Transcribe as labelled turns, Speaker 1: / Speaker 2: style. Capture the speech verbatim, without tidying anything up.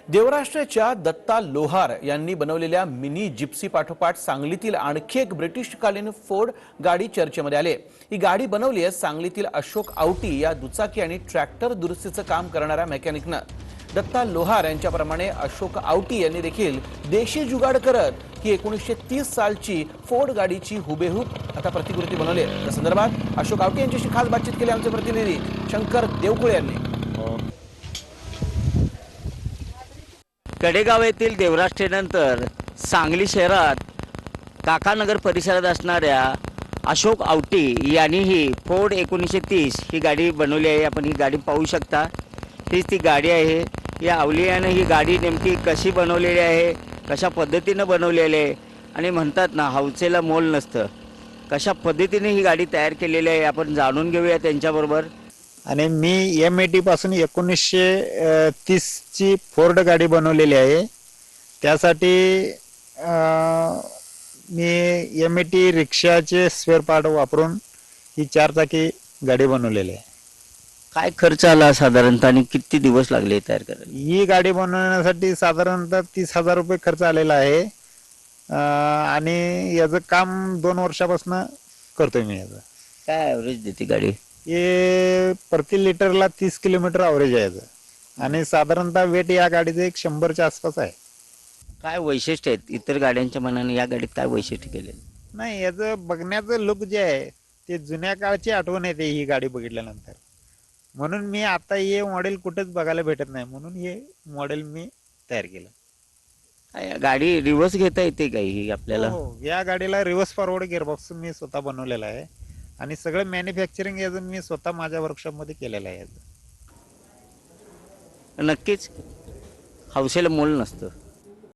Speaker 1: देवराष्ट्राच्या दत्ता लोहार यांनी बनवलेल्या mini Gypsy पाठोपाठ सांगलीतील आणखी एक ब्रिटिशकालीन फोर्ड गाडी चर्चेमध्ये आली. ही गाडी बनवली आहे सांगलीतील अशोक आवटी या दुचाकी आणि ट्रॅक्टर दुरुस्तीचं काम करणाऱ्या मेकॅनिकनं. दत्ता लोहार यांच्याप्रमाणे अशोक आवटी यांनी देखील देशी जुगाड करत ही एकोणीसशे तीस सालची फोर्ड गाडीची हुबेहूब आता प्रतिकृती बनवली आहे. या संदर्भात अशोक आवटी यांच्याशी खास बातचीत केली आमचे प्रतिनिधी शंकर देवकुळे यांनी.
Speaker 2: कडेगाव येथील देवराष्ट्रेनंतर सांगली शहरात काकानगर परिसरात असणाऱ्या अशोक आवटी यांनी ही फोर्ड एकोणीसशे तीस ही गाडी बनवली आहे. आपण ही गाडी पाहू शकता. हीच ती गाडी आहे. या अवलियानं ही गाडी नेमकी कशी बनवलेली आहे, कशा पद्धतीनं बनवलेली आहे आणि म्हणतात ना हौसेला मोल नसतं, कशा पद्धतीने ही गाडी तयार केलेली आहे आपण जाणून घेऊया त्यांच्याबरोबर.
Speaker 3: आणि मी एम ए टी पासून एकोणीसशे तीसची फोर्ड गाडी बनवलेली आहे. त्यासाठी मी एम ए टी रिक्षाचे स्पेअर पार्ट वापरून ही चारचाकी गाडी बनवलेली आहे.
Speaker 2: काय खर्च आला साधारणतः आणि किती दिवस लागले तयार करायला?
Speaker 3: ही गाडी बनवण्यासाठी साधारणतः तीस हजार रुपये खर्च आलेला आहे. आणि याचं काम दोन वर्षापासून करतोय मी. याचं
Speaker 2: काय ॲव्हरेज देते गाडी?
Speaker 3: हे प्रति लिटरला तीस किलोमीटर ॲव्हरेज आहे याचं. आणि साधारणतः वेट या गाडीचं एक शंभरच्या आसपास आहे.
Speaker 2: काय वैशिष्ट्य आहेत इतर गाड्यांच्या मनाने या गाडीत काय वैशिष्ट्य केलेलं?
Speaker 3: नाही, याचं बघण्याचं लुक जे आहे ते जुन्या काळची आठवण येते ही गाडी बघितल्यानंतर. म्हणून मी आता हे मॉडेल कुठेच बघायला भेटत नाही, म्हणून हे मॉडेल मी तयार केलं.
Speaker 2: काय गाडी रिव्हर्स घेता येते का ही आपल्याला?
Speaker 3: हो, या गाडीला रिव्हर्स फॉरवर्ड गिअरबॉक्स मी स्वतः बनवलेला आहे आणि सगळं मॅन्युफॅक्चरिंग याचं मी स्वतः माझ्या वर्कशॉपमध्ये केलेलं आहे. याचं
Speaker 2: नक्कीच हौसेला मोल नसतं.